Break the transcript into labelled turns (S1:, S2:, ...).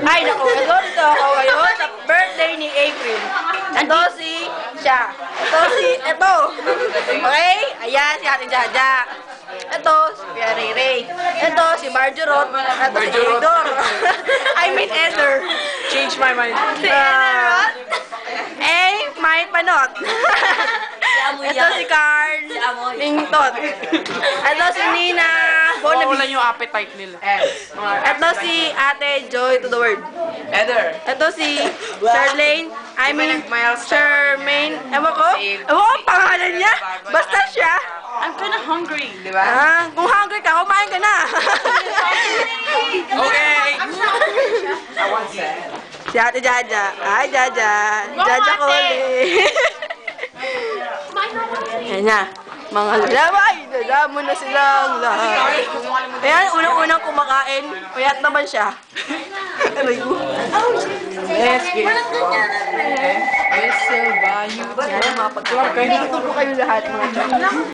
S1: Ay, naku, nagorito ako ngayon sa birthday ni April. Ito siya. Ito. Okay? Ayan, si Ate Jaja. Ito, si Kuya Ray Ray. Ito, si Marjorot. Ito, si Edor. I mean, Eder.
S2: Change my mind.
S1: Si Ederot. May panot. Ito si Carl. Lingtot. Ito si Nina.
S2: Mawawalan yung appetite nila.
S1: Ito si Ate Joy to the world.
S2: Eder.
S1: Ito si Charlene. I mean, Charmaine. Ewan ko ang pangalan niya. Basta siya.
S2: I'm kinda hungry, di ba?
S1: Kung hungry ka, kumain ka na.
S2: Okay.
S1: Si Ate Jaja. Ay, Jaja. Jaja ko Yan na. Mga lalabay. Dala mo na silang lahat. Ayan, unang-unang kumakain. Payat naman siya. Aray ko.
S2: Yes, yes. Yes,
S1: Yan ang mga pagkain. Dito po kayo lahat, mga